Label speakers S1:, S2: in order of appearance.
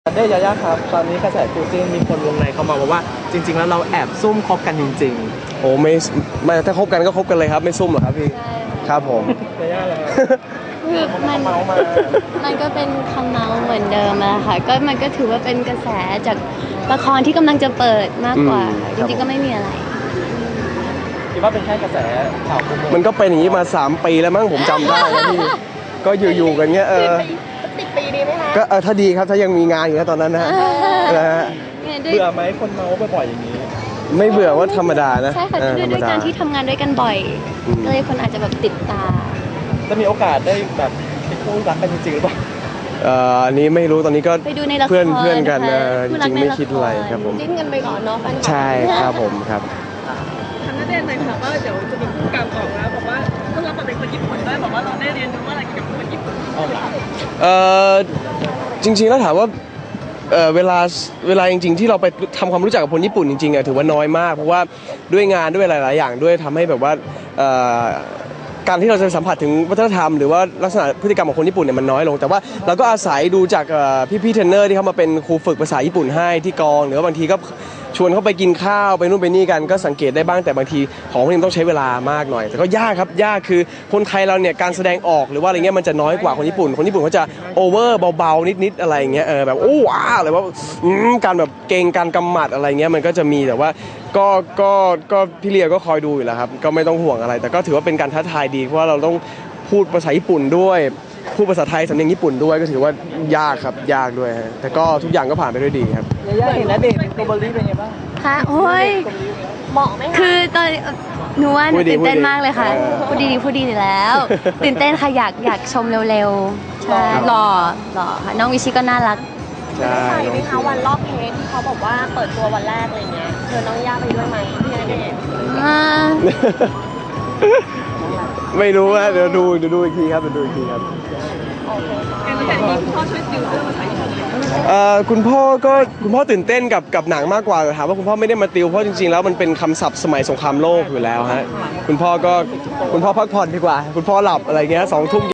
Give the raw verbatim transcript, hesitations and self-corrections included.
S1: เด้ยายาครับตอนนี้กระแสคู่จิ้นมีคนวงในเขามาบอกว่าจริงๆแล้วเราแอบซุ่มคบกันจริง
S2: โอ้ไม่ไม่ถ้าคบกันก็คบกันเลยครับไม่ซุ่มหรอกครับพี่ครับผม
S1: ๆยายาเหรอ
S3: คือมัน
S1: เมามา
S3: มันก็เป็นคำเมาเหมือนเดิมอะค่ะก็มันก็ถือว่าเป็นกระแสจากละครที่กำลังจะเปิดมากกว่าจริงๆก็ไม่มีอะไร
S1: คิดว่าเป็นแค่กระแสข่าวคู่
S2: มันก็เป็นอย่างนี้มาสามปีแล้วมั้งผมจำได้นะพี่ก็อยู่ๆกันเงี้ยเออ
S3: ติดปีดีไหมคะ
S2: ก็เออถ้าดีครับถ้ายังมีงานอยู่นะตอนนั้นนะนะฮะ
S1: เบื่อไหมคนเมาบ่อยๆอย่างนี้
S2: ไม่เบื่อว่าธรรมดานะ
S3: ใช่ค่ะด้วยด้วยการที่ทำงานด้วยกันบ่อยก็เลยคนอาจจะแบบติดตา
S1: จะมีโอกาสได้แบบเป็นคู่รักกันจริงๆหรือเปล่า
S2: เอ่ออันนี้ไม่รู้ตอนนี้ก็
S3: ไปดูในละคร
S2: เพื่อนเพื่อนกันนะจริงๆไม่คิดอะไรครับผม
S3: จิ้นกันไปก่อนเนาะแฟนคลับ
S2: ใช่ครับผมครับ
S4: ทางนักเรียนเลยค่ะว่าเดี๋ยวจะมีผู้กำกับออกแล้วบอกว่าต้องรับมาเป็นคนญี่ปุ่นด้วยบอกว่าเราได้เรียนรู้อะไรเกี่ยวกับคนญี่ปุ่น
S2: เอ่อจริงๆแล้วถามว่าเอ่อเวลาเวลาจริงๆที่เราไปทำความรู้จักกับคนญี่ปุ่นจริงๆอ่ะถือว่าน้อยมากเพราะว่าด้วยงานด้วยหลายๆอย่างด้วยทำให้แบบว่าเอ่อการที่เราจะสัมผัสถึงวัฒนธรรมหรือว่าลักษณะพฤติกรรมของคนญี่ปุ่นเนี่ยมันน้อยลงแต่ว่าเราก็อาศัยดูจากพี่ๆเทรนเนอร์ที่เขามาเป็นครูฝึกภาษาญี่ปุ่นให้ที่กองหรือว่าบางทีก็ชวนเขาไปกินข้าวไปนู่นไปนี่กันก็สังเกตได้บ้างแต่บางทีของพวกนี้ต้องใช้เวลามากหน่อยแต่ก็ยากครับยากคือคนไทยเราเนี่ยการแสดงออกหรือว่าอะไรเงี้ยมันจะน้อยกว่าคนญี่ปุ่นคนญี่ปุ่นเขาจะโอเวอร์เบาๆนิดๆอะไรเงี้ยเออแบบโอ้ว้าอะไรว่าการแบบเก่งการกำหมัดอะไรเงี้ยมันก็จะมีแต่ว่าก็ก็ก็พี่เลียก็คอยดูอยู่แล้วครับก็ไม่ต้องห่วงอะไรแต่ก็ถือว่าเป็นการท้าทายดีเพราะว่าเราต้องพูดภาษาญี่ปุ่นด้วยพูดภาษาไทยสำเนียงญี่ปุ่นด้วยก็ถือว่ายากครับยากด้วยฮะแต่ก็ทุกอย่างก็ผ่านไปด้วยดีครับ
S1: ยายาเห็นแล้วเด็กโกลบอลลี่เป็นไงบ้าง
S3: ค่ะโอ้ยเหมาะไหมคะคือตอนหนูว่าหนูตื่นเต้นมากเลยค่ะพูดดีๆพูดดีแล้วตื่นเต้นค่ะอยากอยากชมเร็วๆใช่หล่อหล่อค่ะน้องวิชิก็น่ารัก
S2: ใช่
S4: ไปไหมคะวันรอบเพจที่เขาบอกว่าเปิดตัววันแรกอะไรเงี้ยเธอน้องย่าไปด้วยไหมพี่ณเดชน์
S2: ไม่รู้นะเดี๋ยวดูเดี๋ยวดูอีกทีครับเดี๋ยวดูอีกทีครับ
S4: การที่มีคุณพ่อช่วยติวเรื่องภาษาญี่ปุ่น
S2: เอ่อคุณพ่อก็คุณพ่อตื่นเต้นกับกับหนังมากกว่าถามว่าคุณพ่อไม่ได้มาติวเพราะจริงๆแล้วมันเป็นคำศัพท์สมัยสงครามโลกอยู่แล้วฮะคุณพ่อก็คุณพ่อพักผ่อนดีกว่าคุณพ่อหลับอะไรเงี้ยสองทุ่ม